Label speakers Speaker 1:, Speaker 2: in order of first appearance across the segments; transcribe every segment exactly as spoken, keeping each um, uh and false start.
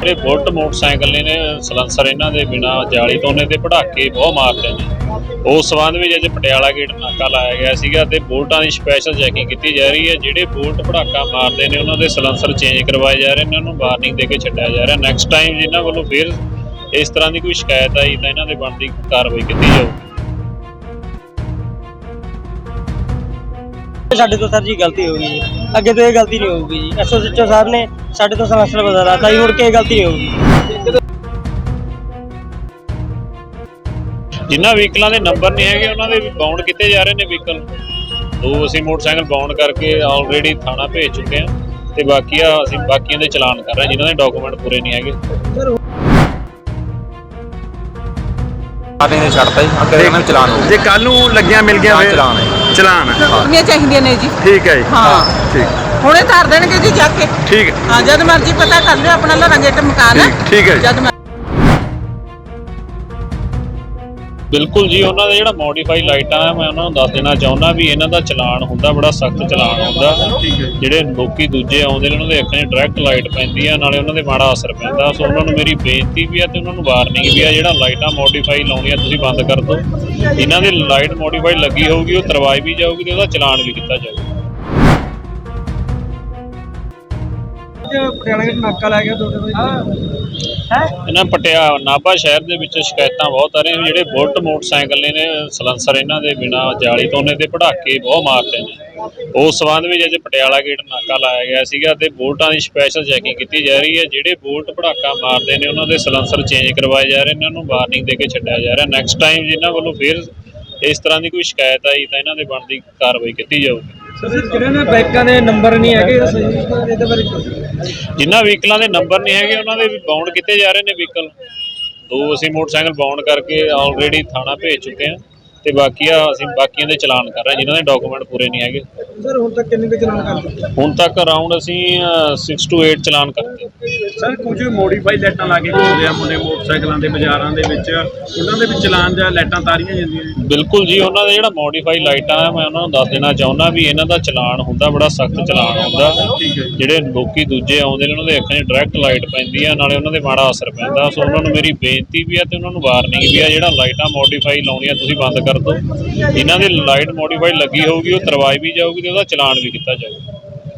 Speaker 1: ਜਿਹੜੇ bullet motorcycle ਨੇ ਨੇ ਸਲੈਂਸਰ ਇਹਨਾਂ ਦੇ ਬਿਨਾ ਜਾਲੀ ਤੋਂ ਨੇ ਤੇ ਪਟਾਕੇ ਬਹੁਤ ਮਾਰਦੇ ਨੇ। ਉਸ ਸੰਬੰਧ ਵਿੱਚ ਅੱਜ ਪਟਿਆਲਾ ਗੇਟ ਨਾਕਾ ਲਾਇਆ ਗਿਆ ਸੀਗਾ ਤੇ ਬੁਲਟਾਂ ਦੀ ਸਪੈਸ਼ਲ ਚੈਕਿੰਗ ਕੀਤੀ ਜਾ ਰਹੀ ਹੈ। ਜਿਹੜੇ ਬੁਲਟ ਪਟਾਕਾ ਮਾਰਦੇ ਨੇ ਉਹਨਾਂ ਦੇ ਸਲੈਂਸਰ ਚੇਂਜ ਕਰਵਾਏ ਜਾ ਰਹੇ ਨੇ, ਇਹਨਾਂ ਨੂੰ ਵਾਰਨਿੰਗ ਦੇ ਕੇ ਛੱਡਿਆ ਜਾ ਰਿਹਾ। ਨੈਕਸਟ ਟਾਈਮ ਜਿਨ੍ਹਾਂ ਵੱਲੋਂ ਫਿਰ ਇਸ ਤਰ੍ਹਾਂ ਦੀ ਕੋਈ ਸ਼ਿਕਾਇਤ ਆਈ ਤਾਂ ਇਹਨਾਂ ਦੇ ਬਣਦੀ ਕਾਰਵਾਈ ਕੀਤੀ ਜਾਊਗੀ।
Speaker 2: ਸਾਡੇ ਤੋਂ ਸਰ ਜੀ ਗਲਤੀ ਹੋ ਗਈ ਜੀ, ਅੱਗੇ ਤੋਂ ਇਹ ਗਲਤੀ ਨਹੀਂ ਹੋਊਗੀ ਜੀ। ਐਸਓ ਸਿੱਚੋ ਸਾਹਿਬ ਨੇ ਸਾਡੇ ਤੋਂ ਸਲੈਂਸਰ ਬਦਲਾ ਤਾਂ ਜੀ, ਮੁੜ ਕੇ ਇਹ ਗਲਤੀ ਨਹੀਂ ਹੋਊਗੀ।
Speaker 1: ਜਿਨ੍ਹਾਂ ਵਹੀਕਲਾਂ ਦੇ ਨੰਬਰ ਨਹੀਂ ਹੈਗੇ ਉਹਨਾਂ ਦੇ ਵੀ ਬਾਉਂਡ ਕੀਤੇ ਜਾ ਰਹੇ ਨੇ ਵਹੀਕਲ। ਦੋ ਅਸੀਂ ਮੋਟਰਸਾਈਕਲ ਬਾਉਂਡ ਕਰਕੇ ਆਲਰੇਡੀ ਥਾਣਾ ਭੇਜ ਚੁੱਕੇ ਹਾਂ ਤੇ ਬਾਕੀ ਆ ਅਸੀਂ ਬਾਕੀਆਂ ਦੇ ਚਲਾਨ ਕਰ ਰਹੇ ਜਿਨ੍ਹਾਂ ਦੇ ਡਾਕੂਮੈਂਟ ਪੂਰੇ ਨਹੀਂ ਹੈਗੇ।
Speaker 3: ਨੇ ਛੱਡਤਾ ਜੀ, ਅੱਗੇ ਇਹਨਾਂ ਨੂੰ ਚਲਾਨ ਹੋ
Speaker 4: ਜੇ ਕੱਲ ਨੂੰ ਲੱਗਿਆ ਮਿਲ ਗਿਆ ਫਿਰ
Speaker 3: ਚਲਾਨ ਹੈ
Speaker 4: ਚਲਾਨ
Speaker 5: ਹੋਣੀਆਂ ਚਾਹੀਦੀਆਂ ਨੇ ਜੀ।
Speaker 4: ਠੀਕ ਹੈ ਜੀ,
Speaker 5: ਹਾਂ
Speaker 4: ਠੀਕ
Speaker 5: ਹੁਣੇ ਧਰ ਦੇਣਗੇ ਜੀ ਜਾ ਕੇ।
Speaker 4: ਠੀਕ ਹੈ,
Speaker 5: ਹਾਂ ਜਦ ਮਰਜ਼ੀ ਪਤਾ ਕਰ ਲਿਓ ਆਪਣਾ ਲੋਰਾ ਗੇਟ ਮਕਾਨ ਹੈ।
Speaker 4: ਠੀਕ ਹੈ
Speaker 5: ਜਦ
Speaker 1: ਬਿਲਕੁਲ ਜੀ, ਉਹਨਾਂ ਦਾ ਜਿਹੜਾ ਮੋਡੀਫਾਈ ਲਾਈਟਾਂ ਹੈ ਮੈਂ ਉਹਨਾਂ ਨੂੰ ਦੱਸ ਦੇਣਾ ਚਾਹੁੰਦਾ ਵੀ ਇਹਨਾਂ ਦਾ ਚਲਾਨ ਹੁੰਦਾ, ਬੜਾ ਸਖਤ ਚਲਾਨ ਹੁੰਦਾ। ਜਿਹੜੇ ਲੋਕੀ ਦੂਜੇ ਆਉਂਦੇ ਨੇ ਉਹਨਾਂ ਦੇ ਅੱਖਾਂ 'ਚ ਡਾਇਰੈਕਟ ਲਾਈਟ ਪੈਂਦੀ ਆ, ਨਾਲੇ ਉਹਨਾਂ ਦੇ ਮਾੜਾ ਅਸਰ ਪੈਂਦਾ। ਸੋ ਉਹਨਾਂ ਨੂੰ ਮੇਰੀ ਬੇਨਤੀ ਵੀ ਆ ਤੇ ਉਹਨਾਂ ਨੂੰ ਵਾਰਨਿੰਗ ਵੀ ਆ, ਜਿਹੜਾ ਲਾਈਟਾਂ ਮੋਡੀਫਾਈ ਲਾਉਣੀਆਂ ਤੁਸੀਂ ਬੰਦ ਕਰ ਦਿਓ। ਇਹਨਾਂ ਦੀ ਲਾਈਟ ਮੋਡੀਫਾਈ ਲੱਗੀ ਹੋਊਗੀ, ਉਹ ਤਰਵਾਈ ਵੀ ਜਾਊਗੀ ਤੇ ਉਹਦਾ ਚਲਾਨ ਵੀ ਕੀਤਾ ਜਾਊਗਾ।
Speaker 2: ਪਟਿਆਲਾ ਗੇਟ ਨਾਕਾ ਲਾਇਆ ਗਿਆ ਤੁਹਾਡੇ
Speaker 1: ਇਹਨਾਂ ਪਟਿਆਲਾ ਨਾਭਾ ਸ਼ਹਿਰ ਦੇ ਵਿੱਚ ਸ਼ਿਕਾਇਤਾਂ ਬਹੁਤ ਆ ਰਹੀਆਂ, ਜਿਹੜੇ ਬੁਲਟ ਮੋਟਰਸਾਈਕਲ ਨੇ ਨੇ ਸਲੈਂਸਰ ਇਹਨਾਂ ਦੇ ਬਿਨਾ ਜਾਲੀ ਤੋਂ ਨੇ ਤੇ ਪਟਾਕੇ ਬਹੁਤ ਮਾਰਦੇ ਨੇ। ਉਸ ਸੰਬੰਧ ਵਿੱਚ ਅੱਜ ਪਟਿਆਲਾ ਗੇਟ ਨਾਕਾ ਲਾਇਆ ਗਿਆ ਸੀਗਾ ਤੇ ਬੁਲਟਾਂ ਦੀ ਸਪੈਸ਼ਲ ਚੈਕਿੰਗ ਕੀਤੀ ਜਾ ਰਹੀ ਹੈ। ਜਿਹੜੇ ਬੁਲਟ ਪਟਾਕਾ ਮਾਰਦੇ ਨੇ ਉਹਨਾਂ ਦੇ ਸਲੈਂਸਰ ਚੇਂਜ ਕਰਵਾਏ ਜਾ ਰਹੇ ਨੇ, ਇਹਨਾਂ ਨੂੰ ਵਾਰਨਿੰਗ ਦੇ ਕੇ ਛੱਡਿਆ ਜਾ ਰਿਹਾ। ਨੈਕਸਟ ਟਾਈਮ ਜਿਨ੍ਹਾਂ ਵੱਲੋਂ ਫਿਰ ਇਸ ਤਰ੍ਹਾਂ ਦੀ ਕੋਈ ਸ਼ਿਕਾਇਤ ਆਈ ਤਾਂ ਇਹਨਾਂ ਦੇ ਬਣਦੀ ਕਾਰਵਾਈ ਕੀਤੀ ਜਾਊਗੀ।
Speaker 2: ਜਿਹੜੇ ਨੇ ਬਾਈਕਾਂ ਦੇ ਨੰਬਰ ਨਹੀਂ ਹੈਗੇ ਇਹਦੇ ਬਾਰੇ
Speaker 1: ਜਿਨ੍ਹਾਂ ਵਹੀਕਲਾਂ ਦੇ ਨੰਬਰ ਨਹੀਂ ਹੈਗੇ ਉਹਨਾਂ ਦੇ ਵੀ ਬਾਉਂਡ ਕੀਤੇ ਜਾ ਰਹੇ ਨੇ ਵਹੀਕਲ। ਦੋ ਅਸੀਂ ਮੋਟਰਸਾਈਕਲ ਬਾਉਂਡ ਕਰਕੇ ਆਲਰੇਡੀ ਥਾਣਾ ਭੇਜ ਚੁੱਕੇ ਹਾਂ ਤੇ ਬਾਕੀ ਆ ਅਸੀਂ ਬਾਕੀਆਂ ਦੇ ਚਲਾਨ ਕਰ ਰਹੇ ਜਿਨ੍ਹਾਂ ਦੇ ਡਾਕੂਮੈਂਟ ਪੂਰੇ ਨਹੀਂ ਹੈਗੇ।
Speaker 2: ਸਰ ਹੁਣ ਤੱਕ ਕਿੰਨੇ ਕੁ ਚਲਾਨ ਕਰ ਦਿੱਤੇ?
Speaker 1: ਹੁਣ ਤੱਕ ਅਰਾਊਂਡ ਅਸੀਂ ਛੇ ਤੋਂ ਅੱਠ ਚਲਾਨ ਕਰਤੇ।
Speaker 4: ਸਰ ਕੁਝ ਮੋਡੀਫਾਈ ਲਾਈਟਾਂ ਲਾ ਕੇ ਘੁੰਮਦੇ ਆ ਮੁੰਡੇ ਮੋਟਰਸਾਈਕਲਾਂ ਦੇ ਬਾਜ਼ਾਰਾਂ ਦੇ ਵਿੱਚ, ਉਹਨਾਂ ਦੇ ਵੀ ਚਲਾਨ ਜਾਂ ਲਾਈਟਾਂ ਤਾਰੀਆਂ ਜਾਂਦੀਆਂ ਨੇ।
Speaker 1: ਬਿਲਕੁਲ ਜੀ, ਉਹਨਾਂ ਦੇ ਜਿਹੜਾ ਮੋਡੀਫਾਈ ਲਾਈਟਾਂ ਹੈ ਮੈਂ ਉਹਨਾਂ ਨੂੰ ਦੱਸ ਦੇਣਾ ਚਾਹੁੰਦਾ ਵੀ ਇਹਨਾਂ ਦਾ ਚਲਾਨ ਹੁੰਦਾ, ਬੜਾ ਸਖਤ ਚਲਾਨ ਹੁੰਦਾ। ਜਿਹੜੇ ਲੋਕੀ ਦੂਜੇ ਆਉਂਦੇ ਨੇ ਉਹਨਾਂ ਦੇ ਅੱਖਾਂ 'ਚ ਡਾਇਰੈਕਟ ਲਾਈਟ ਪੈਂਦੀ ਆ, ਨਾਲੇ ਉਹਨਾਂ ਦੇ ਮਾੜਾ ਅਸਰ ਪੈਂਦਾ। ਸੋ ਉਹਨਾਂ ਨੂੰ ਮੇਰੀ ਬੇਨਤੀ ਵੀ ਆ ਤੇ ਉਹਨਾਂ ਨੂੰ ਵਾਰਨਿੰਗ ਵੀ ਆ, ਜਿਹੜਾ ਲਾਈਟਾਂ ਮੋਡੀਫਾਈ ਲਾਉਣੀਆਂ ਤੁਸੀਂ ਬੰਦ ਕਰ ਦਿਓ। ਇਹਨਾਂ ਦੀ ਲਾਈਟ ਮੋਡੀਫਾਈ ਲੱਗੀ ਹੋਊਗੀ, ਉਹ ਤਰਵਾਈ ਵੀ ਜਾਊਗੀ ਤੇ ਉਹਦਾ ਚਲਾਨ ਵੀ ਕੀਤਾ ਜਾਊਗਾ।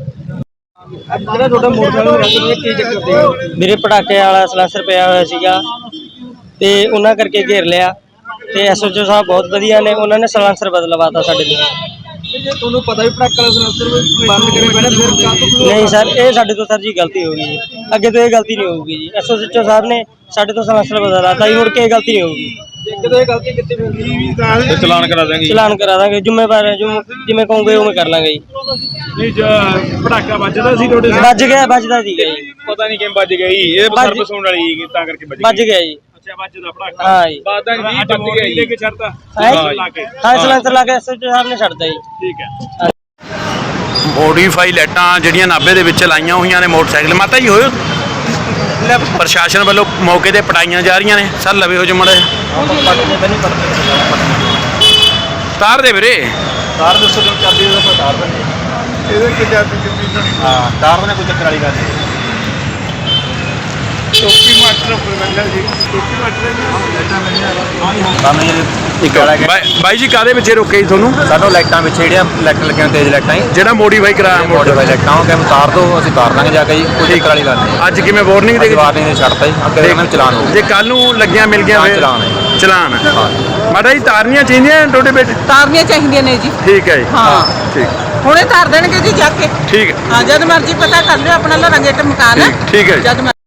Speaker 2: ਜਿਹੜਾ ਤੁਹਾਡਾ ਮੋਟਰਸਾਈਕਲ ਕੀ ਚੱਕਰ ਦੇ ਮੇਰੇ ਪਟਾਕੇ ਵਾਲਾ ਸਲੈਂਸਰ ਪਿਆ ਹੋਇਆ ਸੀਗਾ ਤੇ ਉਹਨਾਂ ਕਰਕੇ ਘੇਰ ਲਿਆ ਤੇ ਐਸਓਚਓ ਸਾਹਿਬ ਬਹੁਤ ਵਧੀਆ ਨੇ, ਉਹਨਾਂ ਨੇ ਸਲੈਂਸਰ ਬਦਲਵਾਤਾ ਸਾਡੇ ਲਈ। ਜੇ ਤੁਹਾਨੂੰ ਪਤਾ ਵੀ ਪਟਾਕੇ ਵਾਲਾ ਸਲੈਂਸਰ ਬੰਦ ਕਰੇ ਪਹਿਲਾਂ ਫਿਰ ਨਹੀਂ ਸਰ, ਇਹ ਸਾਡੇ ਤੋਂ ਸਰ ਜੀ ਗਲਤੀ ਹੋ ਗਈ ਜੀ, ਅੱਗੇ ਤੋਂ ਇਹ ਗਲਤੀ ਨਹੀਂ ਹੋਊਗੀ ਜੀ। ਐਸਓਚਓ ਸਾਹਿਬ ਨੇ ਸਾਡੇ ਤੋਂ ਸਲੈਂਸਰ ਬਦਲਵਾਤਾ ਜੀ, ਮੁੜ ਕੇ ਇਹ ਗਲਤੀ ਨਹੀਂ ਹੋਊਗੀ। ਜਦੋਂ ਇਹ ਗਲਤੀ ਕੀਤੀ ਫਿਰ
Speaker 4: ਚਲਾਨ ਕਰਾ ਦਾਂਗੇ
Speaker 2: ਚਲਾਨ ਕਰਾ ਦਾਂਗੇ, ਜ਼ਿੰਮੇਵਾਰ ਹੈ, ਜਿਵੇਂ ਕਹੋਗੇ ਉਵੇਂ ਕਰ ਲਾਂਗੇ ਜੀ।
Speaker 4: ਨਹੀਂ ਪਟਾਕਾ ਵੱਜਦਾ ਸੀ ਤੁਹਾਡੇ
Speaker 2: ਵੱਜ ਗਿਆ, ਵੱਜਦਾ ਸੀਗਾ ਜੀ,
Speaker 4: ਪਤਾ ਨਹੀਂ ਕਿਵੇਂ ਵੱਜ ਗਿਆ ਜੀ, ਇਹ ਸਰਵਿਸ ਹੋਣ ਵਾਲੀ ਸੀ ਤਾਂ ਕਰਕੇ ਵੱਜ
Speaker 2: ਵੱਜ ਗਿਆ ਜੀ।
Speaker 4: ਅੱਛਾ ਵੱਜਦਾ ਪਟਾਕਾ,
Speaker 2: ਹਾਂ ਜੀ,
Speaker 4: ਬਾਅਦ ਵਿੱਚ ਵੀਹ ਵੱਜ ਗਿਆ ਲੈ ਕੇ ਛੱਡਤਾ ਲਾ ਕੇ।
Speaker 2: ਹਾਂ ਸਲੈਂਸਰ ਲਾ ਕੇ ਐਸਓਚਓ ਸਾਹਿਬ ਨੇ ਛੱਡਤਾ ਜੀ।
Speaker 4: ਠੀਕ ਹੈ। ਮੋਡੀਫਾਈ ਲਾਈਟਾਂ ਜਿਹੜੀਆਂ ਨਾਭੇ ਦੇ ਵਿੱਚ ਲਾਈਆਂ ਹੋਈਆਂ ਨੇ ਮੋਟਰਸਾਈਕਲ, ਮਾਤਾ ਜੀ ਹੋਇਓ ਪ੍ਰਸ਼ਾਸਨ ਵੱਲੋਂ ਮੌਕੇ ਤੇ ਪਟਾਈਆਂ ਜਾ ਰਹੀਆਂ ਨੇ। ਸਰ ਲਵੇ ਹੋ ਜਮੜਾ ਤਾਰ ਦੇ ਵੀਰੇ, ਤਾਰ ਦੱਸੋ ਜੋ ਚਾਬੀ ਉਹਦਾ ਤਾਰ ਦੇ ਇਹਦੇ ਕਿ ਚਾਬੀ ਕਿੰਨੀ ਹਾਂ ਤਾਰ ਨੇ ਕੋਈ ਚੱਕਰ ਵਾਲੀ ਗੱਲ ਨਹੀਂ। ਟੋਪੀ ਮਾਸਟਰ ਪ੍ਰਬੰਧਕ ਜੀ, ਟੋਪੀ ਮਾਸਟਰ ਜੀ ਬਾਈ ਜੀ ਕਾਹਦੇ ਵਿੱਚ ਰੋਕੇ ਜੀ ਤੁਹਾਨੂੰ?
Speaker 3: ਸਾਨੂੰ ਲਾਈਟਾਂ ਵਿੱਚ ਜਿਹੜੀਆਂ ਲਾਈਟ ਲੱਗੀਆਂ ਤੇਜ਼ ਲਾਈਟਾਂ
Speaker 4: ਜਿਹੜਾ ਮੋਡੀਫਾਈ ਕਰਾਇਆ
Speaker 3: ਮੋਡੀਫਾਈ ਲਾਈਟਾਂ ਉਹ ਕਹਿੰਦੇ ਤਾਰ ਦੋ, ਅਸੀਂ ਤਾਰ ਦਾਂਗੇ ਜਾ ਕੇ ਜੀ, ਕੋਈ ਚੱਕਰ ਵਾਲੀ ਗੱਲ ਨਹੀਂ।
Speaker 4: ਅੱਜ ਕਿਵੇਂ ਵਾਰਨਿੰਗ ਦੇ
Speaker 3: ਵਾਰਨਿੰਗ ਨੇ ਛੱਡਤਾ ਜੀ, ਅੱਗੇ ਇਹਨਾਂ ਨੂੰ ਚਲਾਨ ਹੋ।
Speaker 4: ਜੇ ਕੱਲ ਨੂੰ ਲੱਗਿਆ ਮਿਲ ਗਿਆ ਫਿਰ
Speaker 3: ਚਲਾਨ ਹੈ
Speaker 4: ਚਲਾਨ ਹੈ। ਮਾਤਾ ਜੀ ਤਾਰਨੀਆਂ ਚਾਹੀਦੀਆਂ ਤੁਹਾਡੇ ਵਿੱਚ?
Speaker 5: ਤਾਰਨੀਆਂ ਚਾਹੀਦੀਆਂ ਨੇ ਜੀ।
Speaker 4: ਠੀਕ ਹੈ ਜੀ,
Speaker 5: ਹਾਂ
Speaker 4: ਠੀਕ
Speaker 5: ਹੁਣੇ ਧਰ ਦੇਣਗੇ ਜੀ ਜਾ ਕੇ।
Speaker 4: ਠੀਕ ਹੈ।
Speaker 5: ਹਾਂ ਜਦ ਮਰਜ਼ੀ ਪਤਾ ਕਰ ਲਿਓ ਆਪਣਾ ਲੋਰਾ ਗੇਟ ਮਕਾਨ ਹੈ।
Speaker 4: ਠੀਕ ਹੈ ਜੀ।